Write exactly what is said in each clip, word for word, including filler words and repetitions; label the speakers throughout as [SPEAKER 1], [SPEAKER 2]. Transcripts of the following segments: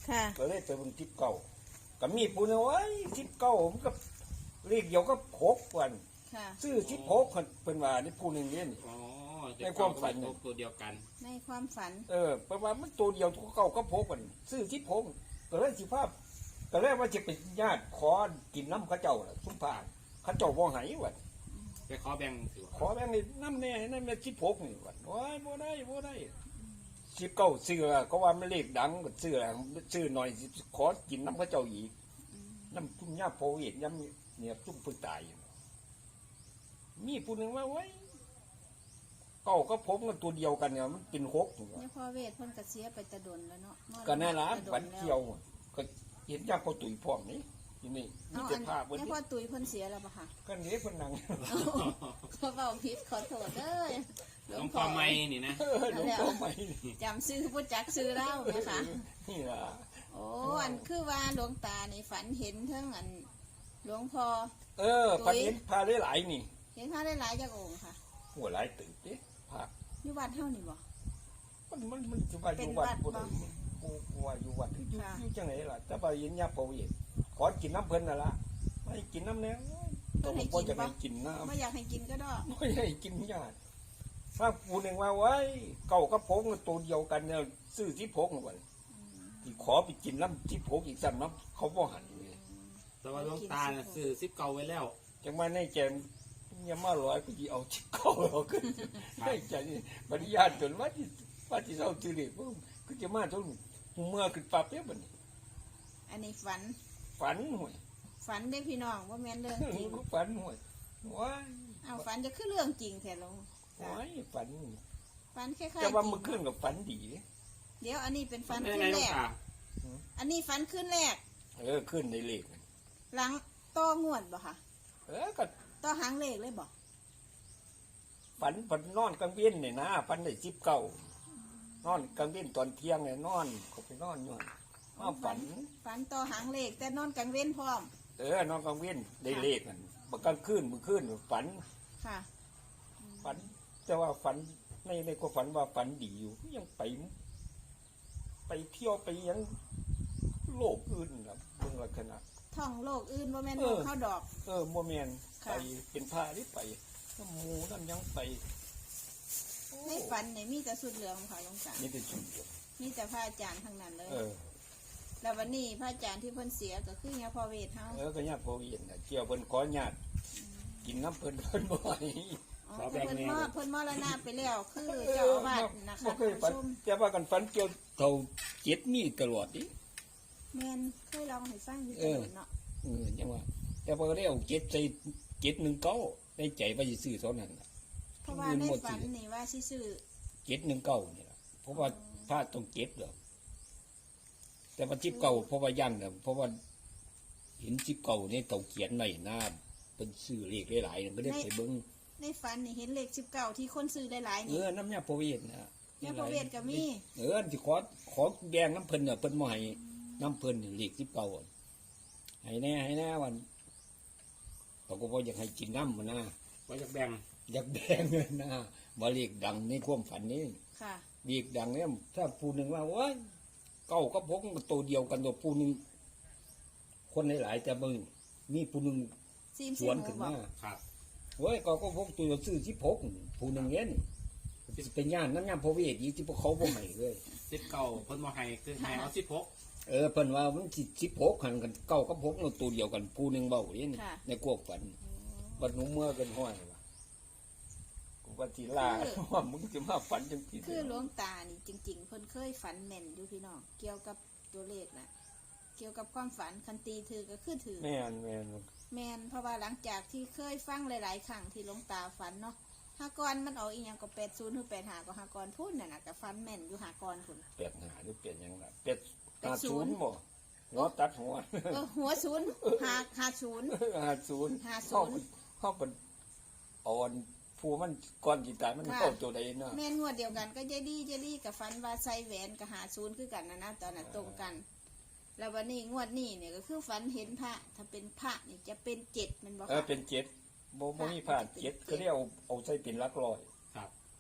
[SPEAKER 1] ค่ะ
[SPEAKER 2] ก็เลยไปเบิ่งทิพเก่าก็มีผู้นึงว่าทิพเก่าผมก็เลขเดียวก็หกวัน
[SPEAKER 1] ค่ะ
[SPEAKER 2] ซื้อทิพหกเป็นว่านี่ผู้หนึ่งเนี่ย
[SPEAKER 3] อ๋อ
[SPEAKER 2] ในความฝัน
[SPEAKER 3] ตัวเดียวกัน
[SPEAKER 1] ในความฝัน
[SPEAKER 2] เออประมาณมันตัวเดียวตัวเก่าก็พกกันซื้อทิพกก็เลยสิภาพก็เลยว่าจะเป็นญาติขอกินน้ำเข้าเจ้าล่ะสุมพานเข้าเจ้าบ่ใหายวัด
[SPEAKER 3] ไปขอแบ่งถือ
[SPEAKER 2] ขอแบ่งนี่น้ำแน่นั่นแม่ทิพกนี่วัดโอ้ยบ่ได้บ่ได้สิบเก้าซื้อก็ว่ามันเลขดังก็ซื้อซื้อหน่อยขอกินน้ำเข้าเจ้าอีกน้ำทุ่มยาโพวิดน้ำเนี่ยทุ่มพึ่งตายมีผู้หนึ่งว่าไว้เก้าก็พบกันตัวเดียวกันเนี่ยมันเป็นหก
[SPEAKER 1] เนี่ยพ่อเวทเพิ่นก็เสียไปตะดนแล้วเนาะ
[SPEAKER 2] ก็น่ารักฝันเที่ยวก็เห็นยาพอตุ๋ยพร้อมนี่ที่นี่มี
[SPEAKER 1] เอา
[SPEAKER 2] แต่
[SPEAKER 1] อัน
[SPEAKER 2] ภาพวัน
[SPEAKER 1] เนี่ย
[SPEAKER 2] นี้
[SPEAKER 1] พ่อตุ้ยเพิ่นเสียแล้วปะค่ะ
[SPEAKER 2] ก็นี้เพนนัง
[SPEAKER 1] เขาเบาผิดขอโทษเด้อ
[SPEAKER 3] หลวงพ่อไม่นี่นะ
[SPEAKER 2] เออหลวงพ่อใหม่
[SPEAKER 1] จำซื้อผู้จักซื้อเล่านะคะ
[SPEAKER 2] นี่ล่ะ
[SPEAKER 1] โอ้อันคือว่าหลวงตาในฝันเห็นเทั้งอันหลวงพ่อ
[SPEAKER 2] เออพันเห็นพาได้หลายนี่
[SPEAKER 1] เห็นพระได้หลายจากองค์ค่ะ
[SPEAKER 2] หัวหลายตื่นเด้ภาพ
[SPEAKER 1] อยู่วัดเท่านี่บ่
[SPEAKER 2] มันมันมันจะว่าอยู่วัดบ่ได้กูกูว่าอยู่วัดอยู่อยู่จังไหนล่ะแต่ว่าเห็นยาพอวิดขอกินน้ำเพิ่นน่ะล่ะไม่กินน้ำแน่ต้องบ่จะให้กินน้ำ
[SPEAKER 1] ไม่อยากให้กินก็ได้
[SPEAKER 2] ไม่ให้กินยาถ้าผู้หนึ่งว่าไว้เก่ากับพงตัวเดียวกันเนี่ยซื้อที่พงวันที่ขอไปกินน้ำที่พงอีกสันน้ำเขาบ่หันเลย
[SPEAKER 3] แต่ว่าหลวงตาน่ะซื้อซิปเก่าไว้แล้ว
[SPEAKER 2] จังมาในแจมยังมาร้อยก็จีเอาชิบเก่าเราขึ้นให้ใจนี่บริญาณจนว่าที่ว่าที่เราจืดเลยก็จะมาทุกเมื่อขึ้นปั๊บเนี่ยบัดนี้
[SPEAKER 1] อันนี้ฝัน
[SPEAKER 2] ฝันห่วย
[SPEAKER 1] ฝันได้พี่น้องว่าแม่นเรื่องจริง
[SPEAKER 2] ฝันห่วยว้าย
[SPEAKER 1] เอาฝันจะคือเรื่องจริงแท้ลง
[SPEAKER 2] ว้ายฝัน
[SPEAKER 1] ฝันคล้ายๆจ
[SPEAKER 2] แต่ว่า
[SPEAKER 1] ริ
[SPEAKER 2] เมื่อง คืนกับฝันดี
[SPEAKER 1] เดี๋ยวอันนี้เป็นฝัน
[SPEAKER 3] เป็น
[SPEAKER 1] ขึ้
[SPEAKER 3] ไง
[SPEAKER 1] น
[SPEAKER 3] หล
[SPEAKER 1] แร
[SPEAKER 3] วง
[SPEAKER 1] ก
[SPEAKER 3] ตา
[SPEAKER 1] อันนี้ฝันขึ้นแรก
[SPEAKER 2] เออขึ้นในเลข
[SPEAKER 1] หลังต่องวดบ่ค่ะ
[SPEAKER 2] เออก็
[SPEAKER 1] ต่อหางเลขเลยบ่
[SPEAKER 2] ฝันฝันนอนกลางเวียนเนี่ยนะฝันได้จิบเก่านอนกลางเวียนตอนเที่ยงเนี่ยนอนเขาไปนอนอยู่นอนฝัน
[SPEAKER 1] ฝันต่อหางเลขแต่นอนกลางเว้นพร้อม
[SPEAKER 2] เออนอนกลางเวียนได้เลขกันบางกลางคืนมือคืนฝัน
[SPEAKER 1] ค่ะ
[SPEAKER 2] ฝัน แต่ว่าฝันในในก็ฝันว่าฝันดีอยู่ยังไป ไปเที่ยวไปยังโลกอื่นครับเรื่องลักษณะ
[SPEAKER 1] ท่องโลกอื่นบ่แม่น
[SPEAKER 2] เอ
[SPEAKER 1] โล
[SPEAKER 2] อ
[SPEAKER 1] กเข้าดอก
[SPEAKER 2] เออโมเมน
[SPEAKER 1] ค่ะ
[SPEAKER 2] ไปเป็นผ้าที่ไปน้ำหมูน้ำยังไปโอ้
[SPEAKER 1] ในฝันเนี่ยมีแต่สุดเหลืองค่ะหลวงตา
[SPEAKER 2] นี่เป็นชุดเดียว
[SPEAKER 1] มีแต่พระอาจารย์ทั้งนั้นเลย
[SPEAKER 2] เออ
[SPEAKER 1] แล้ววันนี้พระอาจารย์ที่เพิ่นเสียก็คือเนี่ยพ่อเวทเฮา
[SPEAKER 2] เออก็ญาติพ่อเวียนน่ะเกี่ยวเพิ่นขอญาติกินน้ำเพิ่นเพิ่นบ่อย
[SPEAKER 1] อ๋อเพิ่นมอดเพิ่นมรณะไปแล้วคือเจ้าอาวาสนะคะ
[SPEAKER 2] บ่เคย
[SPEAKER 1] ท่าน
[SPEAKER 2] ฝัน
[SPEAKER 1] ผู้ชม
[SPEAKER 2] แต่ว่ากันฝันเกี่ยวเท่าเจ็ดมีตลอดดิ
[SPEAKER 1] แม่นเคยลองให้ฟังอยู่ตลอดเนาะ
[SPEAKER 2] เออจังว่า แต่พอได้เอาเจ็ดใส่เจ็ดหนึ่งเก้าในใจว่าสิซื้อเท่านั้นน่ะ
[SPEAKER 1] เพราะว่าในฝันนี่ว่าสิซื้อ
[SPEAKER 2] เจ็ดหนึ่งเก้านี่ล่ะเพราะว่าพลาดต้องเจ็ดดอกแต่ว่าจิบเก่าเพราะว่ายั่งน่ะเพราะว่าเห็นจิบเก่าในเต่าเขียนในหน้าเป็นซื้อเลขหลายๆน่ะก็ได้ไปเบิ่ง
[SPEAKER 1] ในฝันนี่เห็นเลขสิบเก้าที่คนซื้อได้หลาย
[SPEAKER 2] เอ
[SPEAKER 1] นี่
[SPEAKER 2] อน้ำยาพระเวทนะ
[SPEAKER 1] เนี่ยพ่อเวทก็มี
[SPEAKER 2] เออที่ขอขอแดงน้ำเพิ่นน่ะเพิ่นบ่ให้น้ำเพิ่นนี่เลขจิบเก่าอะให้แน่ให้แน่วันเขาก็บ่อยากให้กินน้ำมันนะ
[SPEAKER 3] ว่าจะแบ่ง
[SPEAKER 2] อยากแดงเลยนะบ่เลขดังในความฝันนี่
[SPEAKER 1] ค่ะ
[SPEAKER 2] เลขดังเนี่ยถ้าผู้หนึ่งว่าโอ้ยเก้ากับพกมันตัวเดียวกันตัวผู้หนึ่งคนหลายๆแต่มึงมีผู้หนึ่ง
[SPEAKER 1] ซีม
[SPEAKER 2] ส
[SPEAKER 1] ซี
[SPEAKER 2] วน
[SPEAKER 1] หมู
[SPEAKER 2] ขึ้น
[SPEAKER 1] บอ
[SPEAKER 2] มาก
[SPEAKER 3] ครับ
[SPEAKER 2] เฮ้ยก็ก็พกตัวซื้อที่พกผู้หนึ่งเงี้ยนี่สิเป็นญาณน้ำยาพระเวทอีกที่พวกเขาบ่ให้เลย
[SPEAKER 3] ซิปเก่าเพิ่นบ่ให้คือให้เอาซิปหก
[SPEAKER 2] เออเพิ่นว่ามันสิสิพกหันกันเก้ากับพกมันตัวเดียวกันผู้หนึ่งเบาอย่างนี้ในกวกฝันบัดหนูเมื่อกันห้อยว่ะกูว่าสิลาว่ามึงจะมาฝันจังซี่
[SPEAKER 1] คือหลวงตานี่จริง ๆ เพิ่นเคยฝันแม่นอยู่พี่น้องเกี่ยวกับตัวเลขนะเกี่ยวกับความฝันคันตีถือก็คือถือ
[SPEAKER 2] แม่นแม่น
[SPEAKER 1] แม่นเพราะว่าหลังจากที่เคยฟังหลาย ๆ ครั้งที่หลวงตาฝันเนาะหากรมันเอาอีหยังก็แปดศูนย์หรือแปดหาก็หากรพูดน่ะนะก็ฝันแม่นอยู่หากรพุ่น
[SPEAKER 2] เปลี่ยนหาหรือเปลี่ยนหยังล่ะเปลี่ยนหาศูนย์บ่หัวตัดหัว
[SPEAKER 1] เออหัวศูนย์หาหาศูนย์
[SPEAKER 2] หาศูนย์
[SPEAKER 1] ห้าศูนย์
[SPEAKER 2] เข้าเป็นอ่อนผู้มันก้อนจิตตายมันเข้าตัวใดเนาะ
[SPEAKER 1] แม่นงวดเดียวกันก็เจดีเจดีกับฝันว่าใส่แหวนกับหาศูนย์คือกันนะนะตอนนั้นตรงกัน แล้ววันนี้งวดนี้เนี่ยก็คือฝันเห็นพระถ้าเป็นพระนี่จะเป็นเจ็ดแมันบอก
[SPEAKER 2] เออเป็นเจ็ดโมโมมีผ่านเจ็ดก็เรียกเอาเอาใส่เป็นหลักร้อย
[SPEAKER 3] ครับ
[SPEAKER 2] เพ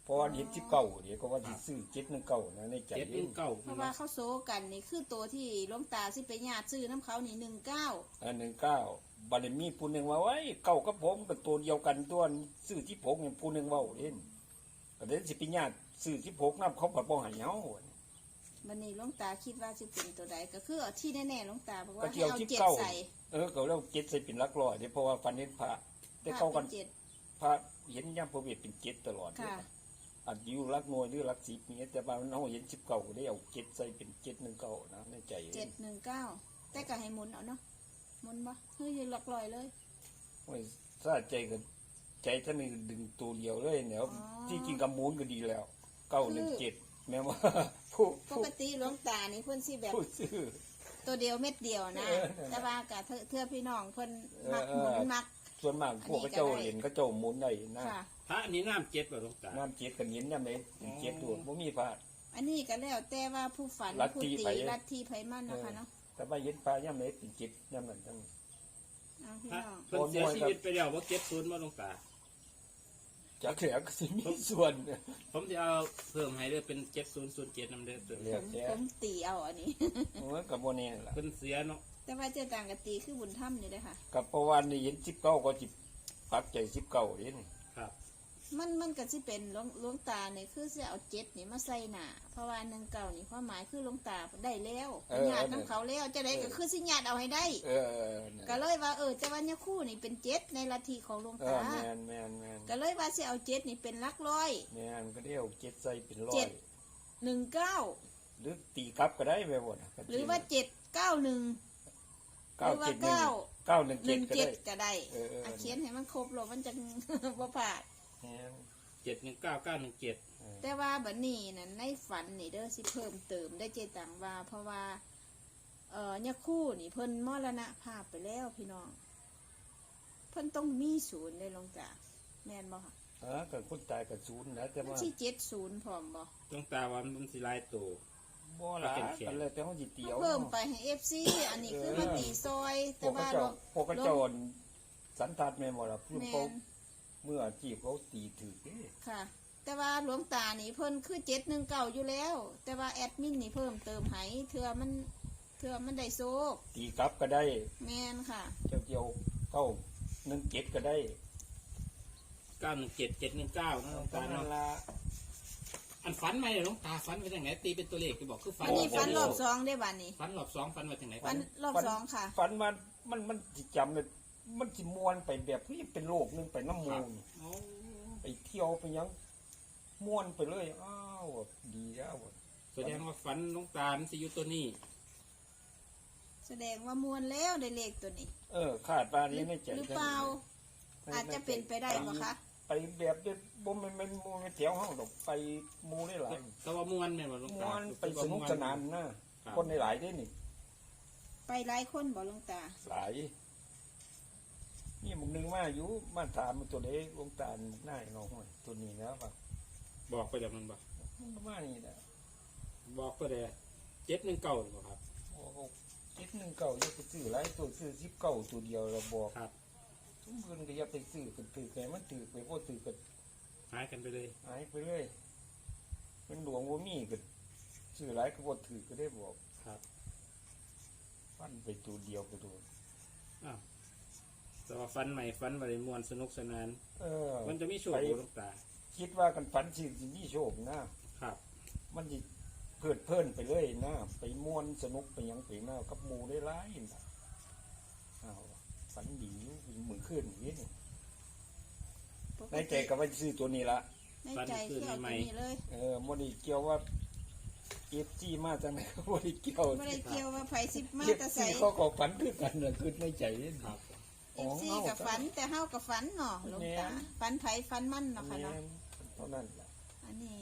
[SPEAKER 2] ราะว่าเห็นสิบเก้าเดี๋ยวก็ว่าสิซื้อเจ็ดหนึ่งเก้านะในใจ
[SPEAKER 3] เจ็ดห
[SPEAKER 2] เล่
[SPEAKER 3] นึ่
[SPEAKER 2] น
[SPEAKER 3] งเก้า
[SPEAKER 1] เพราะว่าเขาโซกันนี่คือตัวที่หลวงตาสิไปญาติซื้อน้ำเขานี่หนึ่งเก้า
[SPEAKER 2] อันหนึ่งเก้าบัดนี้มีผู้หนึ่งว่าไว้เก้ากับผมกับตัวเดียวกันตัวซื้อที่ผมเนี่ยผู้หนึ่งเว่าเล่นก็เด่นสิไปิญาติซื้อที่ผมน้ำเขาผัดบ่ใหายเฮา
[SPEAKER 1] วันนี้หลวงตาคิดว่าสิเป็นตัวใดก็คือเอาที่แน่ๆหลวงตาบอก
[SPEAKER 2] ก็
[SPEAKER 1] ว่าให้
[SPEAKER 2] เที่ยว
[SPEAKER 1] เอา
[SPEAKER 2] ที่
[SPEAKER 1] เจ็ด
[SPEAKER 2] เก้า
[SPEAKER 1] ใส่
[SPEAKER 2] เออเขาเรียกเจ็ดใส่เป็นหลักร้อยเดี๋ยวเพราะว่าฟันเห็นพระแต่เขากัน
[SPEAKER 1] เจ็ด
[SPEAKER 2] พระเห็นย่ำพระเวทเป็นเจ็ดตลอดเลย
[SPEAKER 1] ค่ะ
[SPEAKER 2] อาจจะอยู่หลักหน่วยหรือหลักสิบนี้แต่ว่าน้องเห็นสิบเก้าก็ได้เอาเจ็ดใส่เป็นเจ็ดหนึ่งเก้านะในใจ
[SPEAKER 1] เจ็ดหนึ่งเก้าแต่ก็ให้หมุนเอาเนาะหมุนบ่เฮ้ยหลักลอยเลย
[SPEAKER 2] โอ้ยซาใจกันใจท่านนี่ดึงตัวเดียวเลยเนี่ย
[SPEAKER 1] อ๋อ
[SPEAKER 2] ที่จริงกับมูลก็ดีแล้วเก้าหนึ่งเจ็ดแม้ว่า ผู้
[SPEAKER 1] ปกติหลวงตานี่เพิ่นสิแบบ
[SPEAKER 2] ผู้ซื้อ
[SPEAKER 1] ตัวเดียวเม็ดเดียวนะ
[SPEAKER 2] เออ
[SPEAKER 1] แต่ว่ากับเทื่อพี่น้องเพิ่นมัก
[SPEAKER 2] เอ
[SPEAKER 1] ห
[SPEAKER 2] อ
[SPEAKER 1] มุนมัก
[SPEAKER 2] ส่วนมากพวกกระเจ้าเห็นกระเจ้าหมุนได้นะ
[SPEAKER 1] ค่ะ
[SPEAKER 3] พระอันนี้น้ำเจ็ดบ่หลวงตา
[SPEAKER 2] น้ำเจ็ดกันเห็นยังไงเจ็ดตัวบ่มีพลาด
[SPEAKER 1] อันนี้ก็แล้วแต่ว่าผู้ฝัน
[SPEAKER 2] ลัท
[SPEAKER 1] ผู้
[SPEAKER 2] ธิ
[SPEAKER 1] ตี
[SPEAKER 2] ไผ
[SPEAKER 1] ลัทธิไผมันเนาะคะเนาะ
[SPEAKER 2] แต่ว่าเห็นปลาย่ำเล็กเป็นเจ็ดย่ำนั้นทั้ง
[SPEAKER 1] เอาพี่
[SPEAKER 3] พระ
[SPEAKER 1] น้อง
[SPEAKER 3] เพิ่นเสียชีวิตไปแล้วว่าเจ็ดศูนย์บ่หลวงตา
[SPEAKER 2] จากแขกก็สิมีส่วน
[SPEAKER 3] ผมจะเอาเพิ่มให้ด้วยเป็นเจ็ดศูนย์ศูนย์เจ็ดนำเด้อตัว
[SPEAKER 2] เรี
[SPEAKER 1] ผ
[SPEAKER 2] ยก
[SPEAKER 1] ม
[SPEAKER 2] แก
[SPEAKER 1] ผมตีเอาอันนี้
[SPEAKER 2] มันกับโมเน่ล่ะ
[SPEAKER 3] เพิ่นเสียเนาะ
[SPEAKER 1] แต่ว่าเจ้าต่างกับตีคือบุญถ้ำอยู่เด้อค่ะ
[SPEAKER 2] กับประวันนี่เห็นสิบเก้าก็จิบปักใจสิบเก้าเห็น
[SPEAKER 3] ครับ
[SPEAKER 1] มันมันก็สิเป็นหลวงหลวงตาเนี่ยคือสิเอาเจ็ดนี่มาใส่หน้าเพราะว่าหนึ่งเก่านี่ความหมายคือหลวงตาได้แล้วญาติน้ำเขาแล้วจะได้ก็คือสิญาติเอาให้ได้
[SPEAKER 2] เออเนี่ย
[SPEAKER 1] ก็เลยว่าเออแต่ว่าเนี่ยคู่นี่เป็นเจ็ดในลัทธิของหลวง
[SPEAKER 2] เออ
[SPEAKER 1] ตา
[SPEAKER 2] แมนแมนแมน
[SPEAKER 1] ก็เลยว่าสิเอาเจ็ดนี่เป็นหลักร้อย
[SPEAKER 2] แมนก็ได้เอาเจ็ดใส่เป็นร้อ
[SPEAKER 1] เจ็
[SPEAKER 2] ย
[SPEAKER 1] ด หนึ่งเก้า
[SPEAKER 2] หรือตีกลับก็ได้ไปหมด
[SPEAKER 1] หรือว่าเจ็ดเก้าหนึ่งห
[SPEAKER 2] เก้า
[SPEAKER 1] รือว่า
[SPEAKER 2] เจ็ดหนึ่ง
[SPEAKER 1] เก้า
[SPEAKER 2] เก้าหนึ่ง
[SPEAKER 1] ห
[SPEAKER 2] เจ็
[SPEAKER 1] นึ่
[SPEAKER 2] ด
[SPEAKER 1] ง
[SPEAKER 2] ก็
[SPEAKER 1] เจ็
[SPEAKER 2] ได้
[SPEAKER 1] ดก็ได้
[SPEAKER 2] เออเออ
[SPEAKER 1] อ่ะเขียนให้มันครบหรอกมันจะ บ่พลาด
[SPEAKER 2] แมน
[SPEAKER 3] เจ็ดหนึ่งเก้าเก้าหนึ่งเจ็ด
[SPEAKER 2] เออ
[SPEAKER 1] แต่ว่าบัดนี้นั่นในฝันนี่เด้อสิเพิ่มเติมได้เจตังว่า เพราะว่า เอ่อเนี่ยคู่นี่เพิ่นมรณภาพไปแล้วพี่น้อง เพิ่นต้องมีศูนย์ได้ลงจากแม่นบ่ค่ะ
[SPEAKER 2] เออกับคนตายกับศูนย์นะแต่
[SPEAKER 1] มัน
[SPEAKER 2] ว่า
[SPEAKER 1] สิเจ็ดศูนย์พร้อมบ่
[SPEAKER 3] หลวงตาว่ามันสิหลายตัว
[SPEAKER 2] บ่หลายกันเลยแต่เขาจิเตียว
[SPEAKER 1] เพิ่มไปให้ เอฟ ซี อันนี้คือมาตีซอย
[SPEAKER 2] พ
[SPEAKER 1] แต่
[SPEAKER 2] วกกระ
[SPEAKER 1] ว่า
[SPEAKER 2] เจ้า
[SPEAKER 1] ลง
[SPEAKER 2] พวกกระเจ้าสันทัดแม่นบ่ล่ะเพื่อ
[SPEAKER 1] แม่
[SPEAKER 2] เขา
[SPEAKER 1] น
[SPEAKER 2] เมื่อจีบเขาตีถือเด้
[SPEAKER 1] ค่ะ แต่ว่าหลวงตานี่เพิ่นคือเจ็ดหนึ่งเก่าอยู่แล้ว แต่ว่าแอดมินนี่เพิ่มเติมให้เทื่อมันเทื่อมันได้โซก
[SPEAKER 2] ตีกลับก็ได้
[SPEAKER 1] แม่นค่ะ
[SPEAKER 2] เจ้าเดียวเก้าหนึ่งเจ็ดก็ได้
[SPEAKER 3] เก้าหนึ่งเจ็ดเจ็ดหนึ่งเก้านะหลวง
[SPEAKER 2] ตา
[SPEAKER 3] ตา
[SPEAKER 2] นั่
[SPEAKER 3] เนาะ
[SPEAKER 2] นละ
[SPEAKER 3] อันฝันไหมเนี่ยหลวงตาฝันไปทางไหนตีเป็นตัวเลขที่บอกคือฝัน
[SPEAKER 1] อันนี้ฟันรอบสองได้บัดนี้
[SPEAKER 3] ฝันรอบสองฝันมาทางไหน
[SPEAKER 1] ฟันรอบสองค่ะ
[SPEAKER 2] ฝันมันมันมันจิจำเลยมันจิมวนไปแบบนี้เป็นโลกหนึงไปน้ำมูล
[SPEAKER 3] โอ้
[SPEAKER 2] ไปเที่ยวไปหยังม้วนไปเลยอ้าวดีแล้ว
[SPEAKER 3] แสดงว่าฝันหลวงตามันสิอยู่ตัวนี้
[SPEAKER 1] แสดงว่ามวนแล้วได้เลขตัวนี้
[SPEAKER 2] เออคาดว่านี้ในใจ
[SPEAKER 1] หรือเปล่า อาจจะเป็นไปได้ปะคะ
[SPEAKER 2] ไปแบบเด็บ่แมันมันมูไม่แถวห้องดอกไปหมูได้หลาย
[SPEAKER 3] แต่ว่ามวนเนี่ยหลวง
[SPEAKER 2] ม
[SPEAKER 3] ตา
[SPEAKER 2] วนไปสนุกสนานนะคนในหลายได้นี่
[SPEAKER 1] ไปหลายคนบ่หลวงตา
[SPEAKER 2] หลายนี่มึงนึงมาอยู่มาถามมันตัวเล็กลงตาลหน้าไอ้น้องห้วยตัวนี้แล้วป่ะ
[SPEAKER 3] บอกไปจากมันบ่
[SPEAKER 2] มันก็มานี่แหละ
[SPEAKER 3] บอกก็ได้เจ็ดหนึ่งเก้าหรือเปล่าครับ
[SPEAKER 2] โอ้โหคิดหนึ่งเก่าอย่าไปซื้อหลายตัวซื้อสิบเก่าตัวเดียวเราบอก
[SPEAKER 3] ครับ
[SPEAKER 2] ทุกคนก็อย่าไปซื้อกันถือไงมันถือไปพวกถือกัน
[SPEAKER 3] หายกันไปเลย
[SPEAKER 2] หายไปเลยเป็นหลวงว่ามีกันซื้อหลายก็บ่ถือก็ได้บอก
[SPEAKER 3] ครับ
[SPEAKER 2] ฟันไปตัวเดียวก็โดน
[SPEAKER 3] อ้าวแต่ว่าฟันใหม่ฟันบริมวนสนุกสนาน
[SPEAKER 2] เออ
[SPEAKER 3] มันจะมีโชว์
[SPEAKER 2] ไป
[SPEAKER 3] บ่หลวงตา
[SPEAKER 2] คิดว่ากันฝันสิสิมีโชคนะครับ มันจะเพิดเพลินไปเลยนะไปม่วนสนุกไปหยังไปมากับหมูได้หลายนะอ้าวฝันดีอยู่มือขึ้นอย่างนี้นี่ในใจก็ว่าซื้อตัวนี้ละ
[SPEAKER 1] ในใจคือเอาตัวนี้เลย
[SPEAKER 2] เออโมไดีเกี่ยวว่าเอฟจีมาจากไหนโมไดีเกี่ยว
[SPEAKER 1] ไม่ได้เกี่ยวว่าไผสิบมา
[SPEAKER 2] เอฟ
[SPEAKER 1] แตะ
[SPEAKER 2] ซี
[SPEAKER 1] ใส่
[SPEAKER 2] เขาก็ฝันคือกันนะคือในใจนี่
[SPEAKER 3] ครับ
[SPEAKER 1] เอฟซีกับฝันแต่เฮากับฝันเนาะหลวงตาฝันไผฝันมันเนาะค่ะเนาะ
[SPEAKER 2] เท่านั้นแหละ
[SPEAKER 1] อันนี้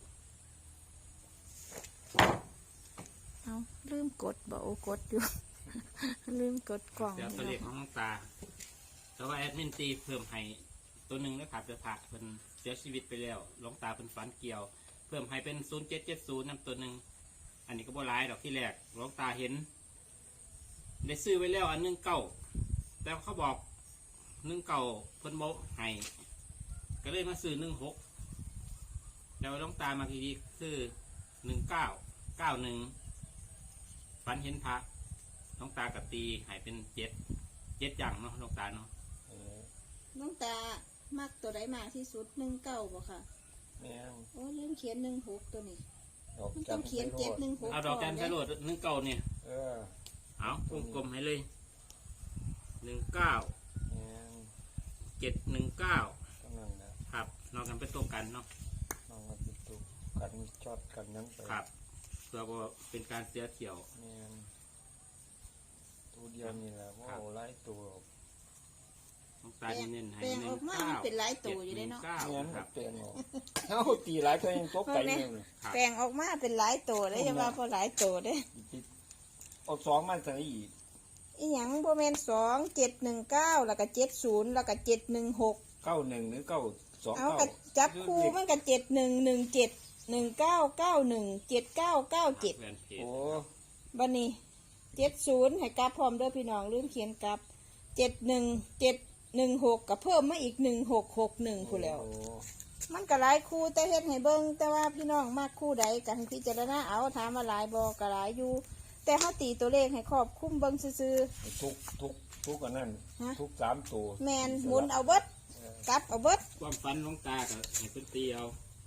[SPEAKER 1] เอาลืมกดบ่โอกดอยู่ ลืมกดกล่อง
[SPEAKER 3] เดี๋ยวตัวเลขของหลวงตา แต่ว่าแอดมินตีเพิ่มให้ตัวหนึ่งนะครับเดือผักเป็นเสียชีวิตไปแล้วหลวงตาเป็นฝันเกี่ยว เพิ่มให้เป็นศูนย์เจ็ดเจ็ดศูนย์นำตัวหนึ่งอันนี้ก็บ่ร้ายดอกที่แรกหลวงตาเห็น ได้ซื้อไว้แล้วอันหนึ่งเก้าแต่เขาบอกหนึ่งเก้าเพิ่นโมให้ก็เลยมาซื้อหนึ่งหกแล้วหลวงตามาทีนี้คือหนึ่งเก้าเก้าหนึ่งฝันเห็นพระหลวงตากับตีใหายเป็นเจ็ดเจ็ดอย่างเนาะหลวงตาเนาะ
[SPEAKER 2] เออ
[SPEAKER 1] น้องตามักตัวใดมากที่สุดหนึ่งเก้าบ่ค่ะ
[SPEAKER 2] แม่ง
[SPEAKER 1] โอ้ลืมเขียนหนึ่งหกตัวนี้
[SPEAKER 2] ดอก
[SPEAKER 1] มัน
[SPEAKER 2] จั
[SPEAKER 1] ต้อน งเขียน
[SPEAKER 2] ไปโล
[SPEAKER 1] เจ็ดหนึ่งหก
[SPEAKER 3] เอาดอกจันทร์ไปโหลดหนึ่งเก้าเนี่ย
[SPEAKER 2] เออ
[SPEAKER 3] เอาวงกลมให้เลยหนึ่งเก้า
[SPEAKER 2] แม่ง
[SPEAKER 3] เจ็ดหนึ่งเก้า
[SPEAKER 2] ก็นั่นนะครับ
[SPEAKER 3] นอกกันเป็นตัวกันเนาะ
[SPEAKER 2] น้องมาติดตัวกันชอดกันนั้นไป
[SPEAKER 3] ครับเพื่อว่าเป็นการเสียเที่ยว
[SPEAKER 2] แม่งตัวเดียวนี่แหละว่าเอาไล่ตัว
[SPEAKER 3] หลวงตาเน้นๆให้
[SPEAKER 1] แปลง
[SPEAKER 3] ห
[SPEAKER 1] อ
[SPEAKER 3] นึ่
[SPEAKER 1] อง กมา
[SPEAKER 3] เก้า
[SPEAKER 1] มันเป็นหลายตัวอยู่ได้เนาะ
[SPEAKER 3] เก้า
[SPEAKER 2] แม่ง
[SPEAKER 3] ค
[SPEAKER 2] กั
[SPEAKER 3] รั
[SPEAKER 2] บบ เปลี่ยนออกเอ้าตีหลายก็ยังตกใจเนี่ย
[SPEAKER 3] ครับ
[SPEAKER 1] แปลงออกมาเป็นหลายตัวได้จะว่าพอหลายตัวได้
[SPEAKER 2] เอาสองมาใส่อีก
[SPEAKER 1] อีหยังโบแมนสองเจ็ดหนึ่งเก้าแล้วก็เจ็ดศูนย์แล้วก็เจ็ดหนึ่งหก
[SPEAKER 2] เก้าหนึ่งหรือเก้าสอง
[SPEAKER 1] เอา
[SPEAKER 2] เก้า
[SPEAKER 1] กระจับคู่มันก็เจ็ดหนึ่งหนึ่งเจ็ดหนึ่งเก้าเก้าหนึ่งเจ็ดเก้าเก้าเจ็ด
[SPEAKER 3] แฟนเพจ
[SPEAKER 2] โอ้
[SPEAKER 1] บันนี้เจ็ดศูนย์ให้กลับพร้อมเด้อพี่น้องลืมเขียนกลับเจ็ดหนึ่งเจ็ดหนึ่งหกกับเพิ่มมาอีกหนึ่งหกหกหนึ่งคู่แล้ว
[SPEAKER 2] โอ้
[SPEAKER 1] มันก็หลายคู่แต่เฮ็ดให้เบิ่งแต่ว่าพี่น้องมากคู่ใดกันพิจารณาเอาถามว่าหลายบ่ก็หลายอยู่ แต่เฮาตีตัวเลขให้ครอบคลุมเบิ่งซื่อ
[SPEAKER 2] ทุกทุกทุกอันนั้น
[SPEAKER 1] ฮะ
[SPEAKER 2] ทุกสามตัว
[SPEAKER 1] ๆแม่นหมุนเอาเบิด
[SPEAKER 2] เออก
[SPEAKER 1] ลับเอาเบิด
[SPEAKER 3] ความฝันหลวงตากับให้เป็นตีเอา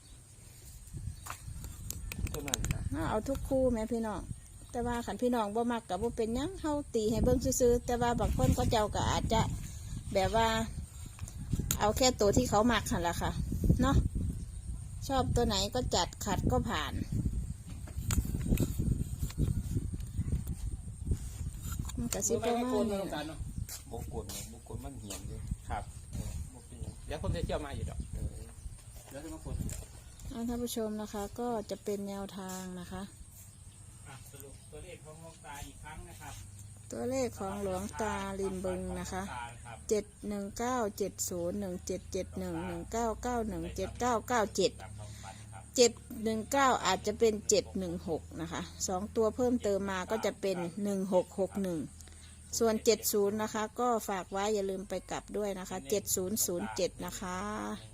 [SPEAKER 2] ตัวนั้นนะ
[SPEAKER 1] เฮาเอาทุกคู่แม่พี่น้องแต่ว่าคันพี่น้องบ่มักก็บ่เป็นหยังเฮาตีให้เบิ่งซื่อๆแต่ว่าบางคนก็เจ้าก็อาจจะแบบว่า เอาแค่ตัวที่เขามักหั่นล่ะค่ะเนาะชอบตัวไหนก็จัดขัดก็ผ่านมันก็สิประมาณ
[SPEAKER 3] หล
[SPEAKER 1] นี้
[SPEAKER 3] วงตา
[SPEAKER 1] ล่ะ
[SPEAKER 3] เนาะ
[SPEAKER 2] บุกกลบุกกลมันเหี่ยมเลย
[SPEAKER 3] ครับ
[SPEAKER 2] เออบุกเป็นหยัง
[SPEAKER 3] เดี๋ยวผมจะเที่ยวมาอยู่ดอก
[SPEAKER 2] เออ
[SPEAKER 3] เดี๋ยวจะมาคน
[SPEAKER 1] อ่าท่านผู้ชมนะคะ ก็จะเป็นแนวทางนะคะ
[SPEAKER 3] อ่ะสรุปตัวเลขของหลวงตาอีกครั้งนะครับ
[SPEAKER 1] ตัวเลขของหลวงตาลิมบึงนะคะ
[SPEAKER 3] ครับ
[SPEAKER 1] เจ็ดหนึ่งเก้าเจ็ดศูนย์หนึ่งเจ็ดเจ็ดหนึ่งหนึ่งเก้าเก้าหนึ่งเจ็ดเก้าเก้าเจ็ด
[SPEAKER 3] ตามความฝันครับ
[SPEAKER 1] เจ็ดหนึ่งเก้าอาจจะเป็นเจ็ดหนึ่งหกนะคะสองตัวเพิ่มเติมมาก็จะเป็นหนึ่งหกหกหนึ่งส่วนเจ็ดศูนย์นะคะ ก็ฝากไว้อย่าลืมไปกลับด้วยนะคะเจ็ดศูนย์ศูนย์เจ็ดนะคะ
[SPEAKER 3] หนึ่ง